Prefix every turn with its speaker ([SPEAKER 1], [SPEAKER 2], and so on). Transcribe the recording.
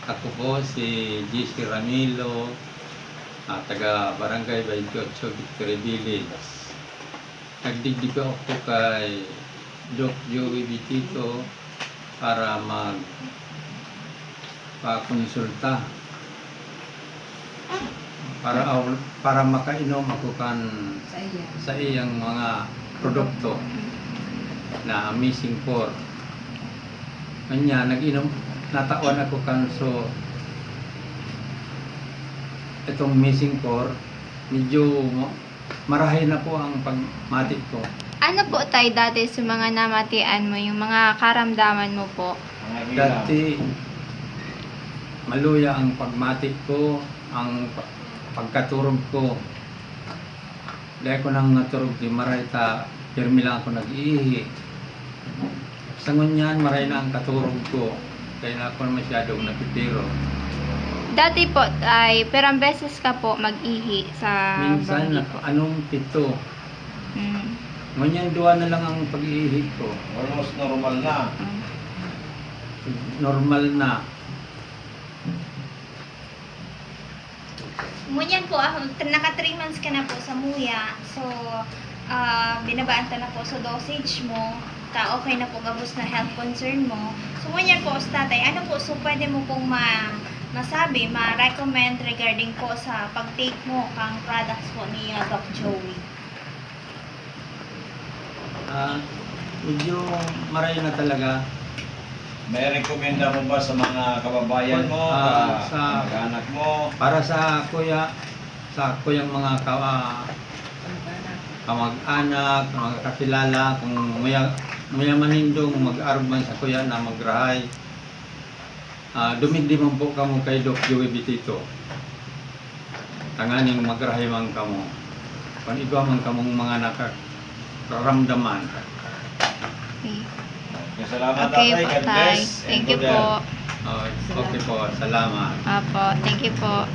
[SPEAKER 1] Ako po si GC Ramilo, taga Barangay 28, Victory Village. Nagdigdig ako kay Doc Joey Bitito para pakonsulta para makainom ako sa iyang mga produkto na Amazing 4. Kanya nag-inom natawan ako so itong Amazing 4 medyo marahay na po ang pagmatik ko.
[SPEAKER 2] Ano po tayo dati sa mga namatian mo, yung mga karamdaman mo po?
[SPEAKER 1] Dati maluya ang pagmatik ko, ang pagkaturog ko. Dahil ko nang naturog di maray pirmi lang ako nag-iihi. Sa ngunyan, maray na ang katurog ko. Kaya na ako masyadong napipiro.
[SPEAKER 2] Dati po ay perang beses ka po mag-ihi sa
[SPEAKER 1] Minsan, anong 7. Ngunyan, 2 na lang ang pag-iihi ko.
[SPEAKER 3] Almost normal na.
[SPEAKER 1] Normal na.
[SPEAKER 4] Ngunyan po, naka 3 months ka na po sa Muya. So, binabaan ta na po sa dosage mo. Okay na po gabos na health concern mo. So, ngunyan po, tatay, ano po, so pwede mo pong masabi, ma-recommend regarding po sa pag-take mo kang products po ni Doc Joey?
[SPEAKER 1] Medyo maray na talaga.
[SPEAKER 3] May rekomenda mo ba sa mga kababayan mo,
[SPEAKER 1] sa
[SPEAKER 3] anak mo?
[SPEAKER 1] Para sa kuyang mga kamag-anak, mga kakilala, kung mayamanindong mag-arman sa kuya na magrahay, dumigdiman po kamo kay Doc Joey Bitito. Tanganing magrahay man kamo. Kung igwa man kamong mga nakakaramdaman.
[SPEAKER 3] Okay, salamat
[SPEAKER 2] Okay
[SPEAKER 3] tatay.
[SPEAKER 2] po,
[SPEAKER 3] God
[SPEAKER 2] tay.
[SPEAKER 3] bless.
[SPEAKER 2] Thank you po.
[SPEAKER 1] Okay po, salamat.
[SPEAKER 2] Apo, thank you po.